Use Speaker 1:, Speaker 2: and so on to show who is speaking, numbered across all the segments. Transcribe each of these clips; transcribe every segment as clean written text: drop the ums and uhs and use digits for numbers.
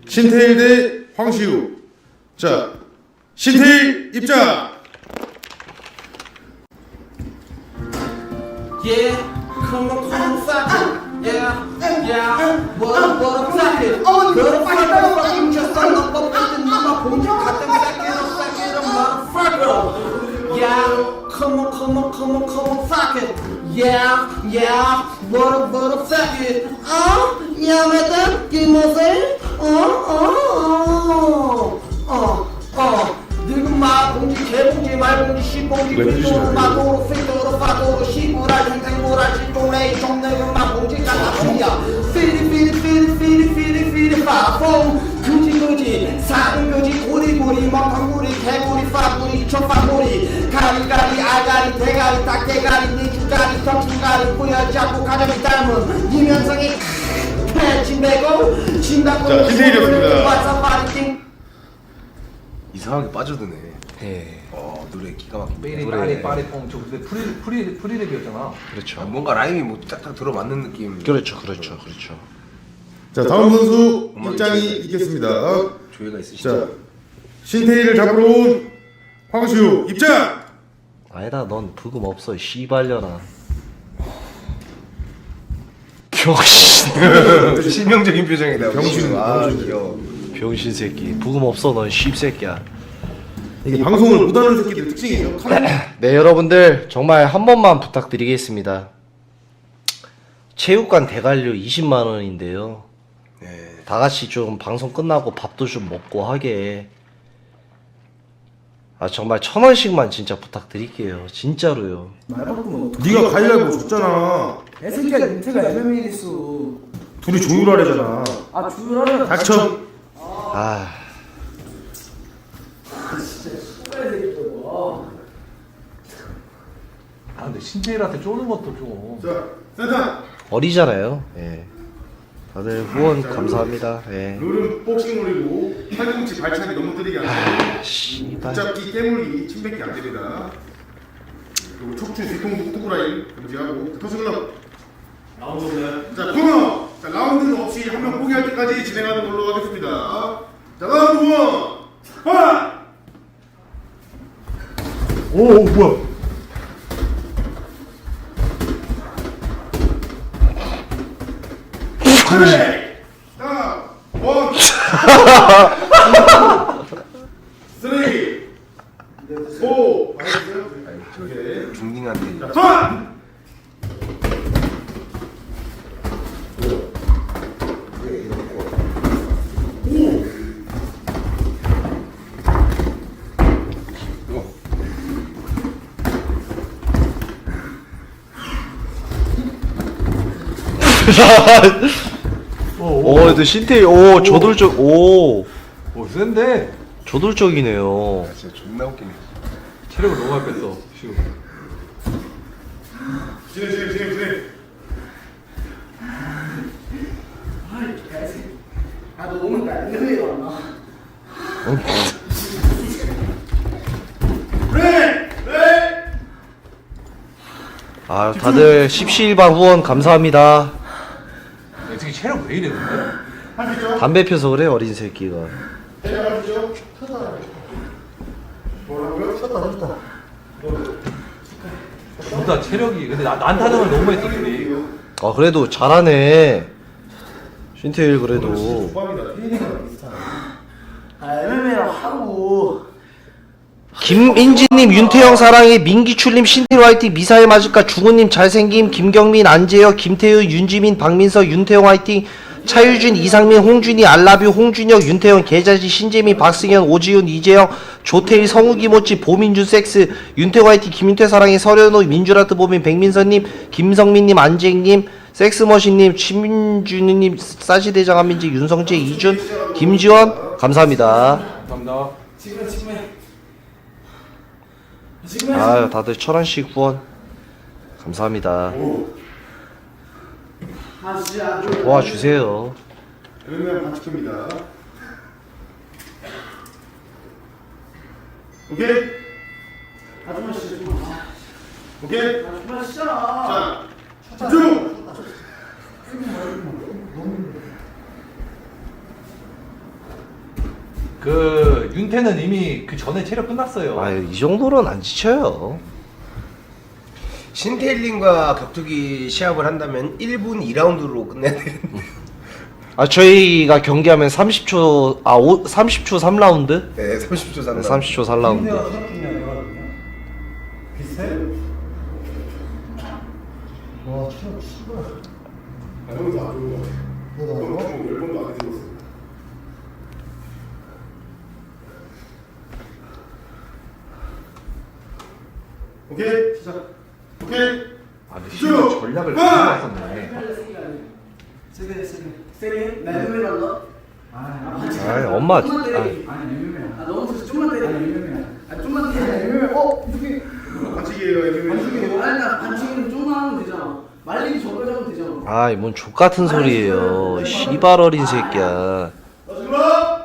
Speaker 1: 신태일 대 황시우. 자, 신태일 입장.
Speaker 2: Yeah, come on, fuck it. Yeah, what up, fuck it. What up, fucking just on the boat and mama boom, cut them back in a motherfucker. Yeah, come on, fuck it. Yeah, what up, fuck it. Yeah, madam, give me say. 늙은마 봉지 개봉지 말봉지 씨봉지 빙도로 마도로 필도로 파도로 시부랄 인생모랄 시동레이 종내근마 봉지 까다봉이야 피리 파봉 그지 사근그지 고리고리 멍텅구리 개구리 파구리 초파구리 가리가리 아가리 대가리 닭대가리 니주가리 덕주가리 뿌려잡고 가정이 닮은 이면성이 패친배고 진다고
Speaker 1: 자, 신세일이었습니다.
Speaker 3: 이상하게 빠져드네.
Speaker 4: 예.
Speaker 3: 노래 기가 막히네.
Speaker 5: 노래 빠리 뽕. 저 근데 프리랩이었잖아.
Speaker 4: 그렇죠.
Speaker 3: 뭔가 라임이 뭐 딱딱 들어맞는 느낌.
Speaker 4: 그렇죠.
Speaker 1: 자, 다음 선수 입장이 있겠습니다.
Speaker 3: 조예가 있으시죠?
Speaker 1: 자, 신태일을 잡으러 온 황시우 입장.
Speaker 4: 아니다, 넌 부금 없어, 씨발려나. 병신.
Speaker 3: 실명적인 표정이다.
Speaker 1: 병신.
Speaker 3: 귀여워.
Speaker 4: 병신 새끼. 부금 없어, 넌 씹새끼야.
Speaker 1: 이게 방송을 못하는 새끼들 특징이죠.
Speaker 4: 네, 여러분들 정말 한 번만 부탁드리겠습니다. 체육관 대관료 20만 원인데요.
Speaker 3: 네.
Speaker 4: 다 같이 좀 방송 끝나고 밥도 좀 먹고 하게. 정말 1,000원씩만 진짜 부탁드릴게요. 진짜로요.
Speaker 1: 네가 가위바위보 졌잖아.
Speaker 6: 애새끼야 민트가 MMA 있어.
Speaker 1: 둘이 조율하래잖아.
Speaker 6: 아 주라는
Speaker 1: 닥쳐.
Speaker 5: 근데 신태일한테 쪼는 것도 좀.
Speaker 1: 자, 센터.
Speaker 4: 어리잖아요. 예. 다들 후원 감사합니다. 예.
Speaker 1: 룰은 복싱룰이고 팔꿈치 발차기 너무 느리게 안 돼.
Speaker 4: 씨발.
Speaker 1: 붙잡기 깨물기 침뱉기 안 됩니다. 그리고 척추 뒤통수 뚜구라인 금지하고 터스글럽 라운드. 자, 코너. 자, 라운드는 없이 한 명 포기할 때까지 진행하는 걸로 하겠습니다. 자, 라운드 1. 파! 오, 뭐야? 그래. 자, 1, 3, 4. 오케이.
Speaker 3: 중딩한테.
Speaker 1: 자,
Speaker 4: 근데 신태일, 저돌적,
Speaker 5: 센데.
Speaker 4: 저돌적이네요.
Speaker 3: 진짜 존나 웃기네.
Speaker 5: 체력을 너무 많이 뺐어. 지금.
Speaker 1: 진행.
Speaker 6: 아너 오늘 나 MMA 왔나?
Speaker 1: 그래.
Speaker 4: 다들 십시일반 후원 감사합니다.
Speaker 5: 어떻게 체력 왜 이래 근데?
Speaker 4: 담배 펴서 그래, 어린 새끼가.
Speaker 5: 둘 다 체력이. 근데 난타전을 너무 했어 둘이.
Speaker 4: 그래도 잘하네. 신태일 그래도.
Speaker 6: MMA랑 하고.
Speaker 4: 김인지님, 윤태영 사랑해, 민기출님, 신태일 화이팅, 미사일 맞을까, 중훈님 잘생김, 김경민, 안재혁, 김태우, 윤지민, 박민서, 윤태영 화이팅, 차유준, 이상민, 홍준이, 알라뷰, 홍준혁, 윤태영, 계자지, 신재민, 박승현, 오지훈, 이재영, 조태일, 성욱이 모찌, 보민준, 섹스, 윤태영 화이팅, 김윤태 사랑해, 서련호, 민주라트 보민, 백민서님, 김성민님, 안재익님, 섹스머신님, 심준우님, 싸시대장 한민지, 윤성재, 이준, 김지원 감사합니다.
Speaker 5: 감사합니다.
Speaker 4: 다들 1,000원씩 후원 감사합니다. 도와주세요.
Speaker 1: MMA 반칙입니다. 오케이?
Speaker 6: 아줌마 씨
Speaker 1: 오케이?
Speaker 6: 아줌마 씨잖아.
Speaker 1: 자, 집중!
Speaker 5: 그 윤태는 이미 그 전에 체력 끝났어요.
Speaker 4: 아이 정도는 안 지쳐요.
Speaker 3: 신태일님과 격투기 시합을 한다면 1분 2라운드로 끝내야 되는데.
Speaker 4: 아 저희가 경기하면 30초 30초 3라운드?
Speaker 3: 네, 30초
Speaker 4: 네,
Speaker 3: 상당.
Speaker 4: 30초 3라운드.
Speaker 6: 와 체력 씨발.
Speaker 1: 아, 형도 안 좋은 거 같아. 형 주먹 10번도 안 해줬어. 오케이 시작. 오케이.
Speaker 5: 아 근데 씨발 전략을 가져왔었네.
Speaker 6: 세게 나 MMA 간다.
Speaker 4: 아이 엄마.
Speaker 6: 너무 좀만 때려. 좀만 때려. 이렇게
Speaker 1: 반칙이에요. MMA.
Speaker 6: 아니 나 반칙은 좀만 하면 되잖아. 말리기 저걸 하면 되잖아.
Speaker 4: 아이 뭔 족같은 소리예요. 씨발 어린 새끼야.
Speaker 1: 마지막.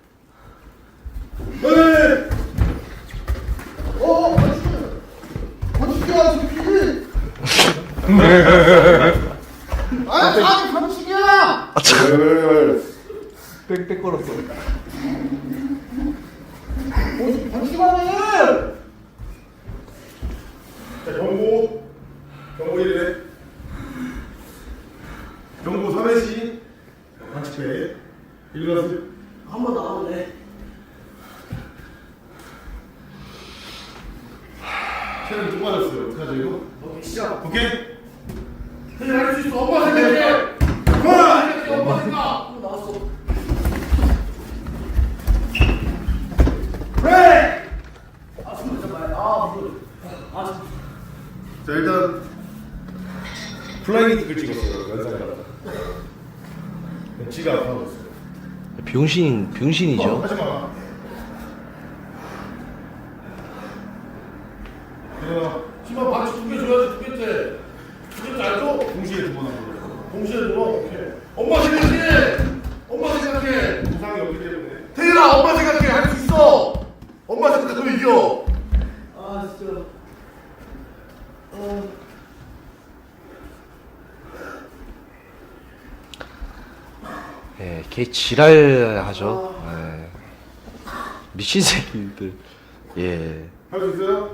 Speaker 1: 네.
Speaker 6: 반칙이야 새끼. 아니 반칙이야.
Speaker 5: 빽빽 걸었어.
Speaker 6: 반칙만 해.
Speaker 1: 자, 경고 1회. 경고 3회시. 반칙회. 1라운드.
Speaker 6: 한번 나가면 돼.
Speaker 1: 체력이 좀 빠졌어요. 어떡하죠 이거?
Speaker 6: 오케이 시작.
Speaker 1: 오케이.
Speaker 6: 그래 할수 있어. 엄마 생각해. 엄마 생각. 나왔어. 그래. 아 숨을 잡아야. 아 무슨. 아
Speaker 1: 자 일단 플라잉 티켓 찍었어요. 연상가라. 지가 아파하고 있어요.
Speaker 4: 병신이죠.
Speaker 1: 하지 마.
Speaker 7: 시방 반칙 2개 줘야지 2개째. 2개째 안 줘?
Speaker 1: 동시에 2번 하고.
Speaker 7: 동시에 줘. 오케이. 엄마 생각해. 엄마 생각해.
Speaker 1: 부상이 없기 때문에.
Speaker 7: 태일아 엄마 생각해. 할 수 있어. 엄마 생각하면 이겨.
Speaker 6: 아 진짜.
Speaker 4: 예, 개 지랄하죠. 예. 미친 새끼들. 예.
Speaker 1: 할 수 있어요?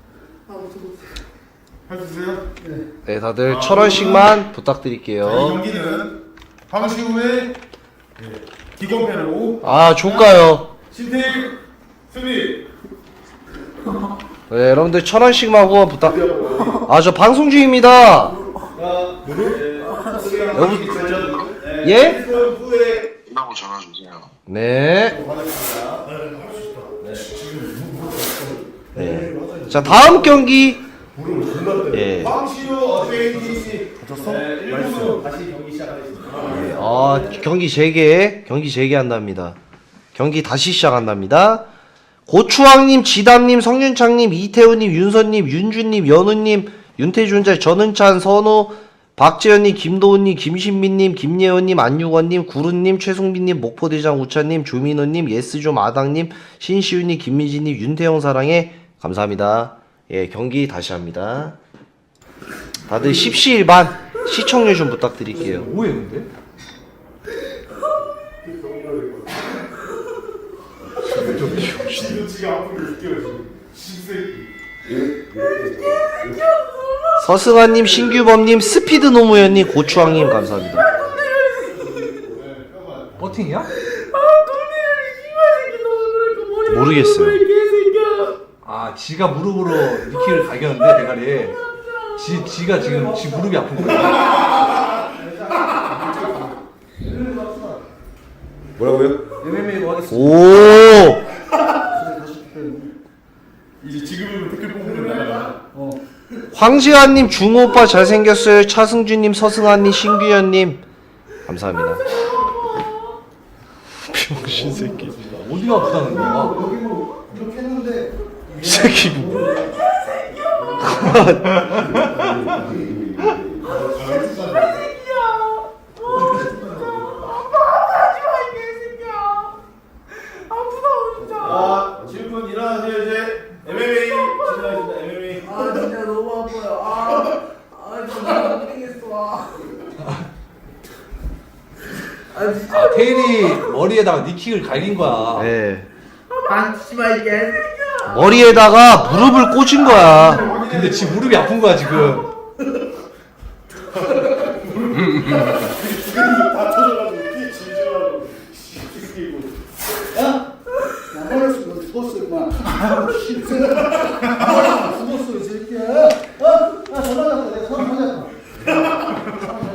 Speaker 1: 할 수 있어요?
Speaker 4: 네, 다들 1,000원씩만
Speaker 1: 자, 이
Speaker 4: 부탁드릴게요.
Speaker 1: 경기는 방시 후에 기권패로
Speaker 4: 아, 좋까요.
Speaker 1: 신태일 승리.
Speaker 4: 네, 여러분들 1,000원씩만 후원 부탁. 아, 저 방송 중입니다. 여보, 예?
Speaker 8: 끝나고 전화 주세요.
Speaker 4: 네. 네. 자, 다음 경기. 예.
Speaker 1: 방시 후 어드베이티 다쳤어? 1분 다시 경기 시작하겠습니다.
Speaker 4: 경기 재개한답니다. 경기 다시 시작한답니다. 고추왕님, 지담님, 성윤창님, 이태우님, 윤선님, 윤준님, 연우님, 윤태준자, 전은찬, 선우, 박재현님, 김도훈님, 김신민님, 김예원님, 안유건님, 구른님, 최승빈님, 목포대장 우찬님, 조민호님, 예스좀 아당님, 신시윤님, 김민지님, 윤태영 사랑해 감사합니다. 예, 경기 다시 합니다. 다들 10시일반 시청률 좀 부탁드릴게요.
Speaker 5: 뭐해 근데?
Speaker 1: 지가 아프게 웃겨요 지금. 신새끼.
Speaker 4: 서승환님, 신규범님, 스피드 노무현님, 고추왕님 감사합니다.
Speaker 5: 버팅이야?
Speaker 4: 모르겠어요.
Speaker 5: 아 지가 무릎으로 니키를 갈겼는데 대가리에. 지가 지금 지 무릎이 아픈 거야.
Speaker 3: 뭐라고요?
Speaker 6: MMA로 하겠습니다.
Speaker 4: 오!
Speaker 1: 이제 지금은 댓글 뽑으면 나가라.
Speaker 4: 황지환님, 중오빠 잘생겼어요. 차승준님, 서승환님, 신규현님 감사합니다. 병신 새끼.
Speaker 5: 어디가 아프다는 거야?
Speaker 6: 여기 뭐 이렇게 했는데.
Speaker 4: 이 새끼.
Speaker 1: 지금 일어나세요 이제. MMA 진행하겠습니다. MMA.
Speaker 6: 아 진짜 너무 아파요. 진짜 못 되겠어. 아 진짜.
Speaker 5: 아 태일이 머리에다가 니킥을 갈긴 거야.
Speaker 4: 예.
Speaker 6: 만지지 마 이게.
Speaker 4: 머리에다가 무릎을 꽂은 거야.
Speaker 5: 근데 지 무릎이 아픈 거야 지금.
Speaker 1: 다 터져가지고 피 질질하고 씹히고.
Speaker 6: 야, 머리에서 죽었어 임마. 죽었어 이제.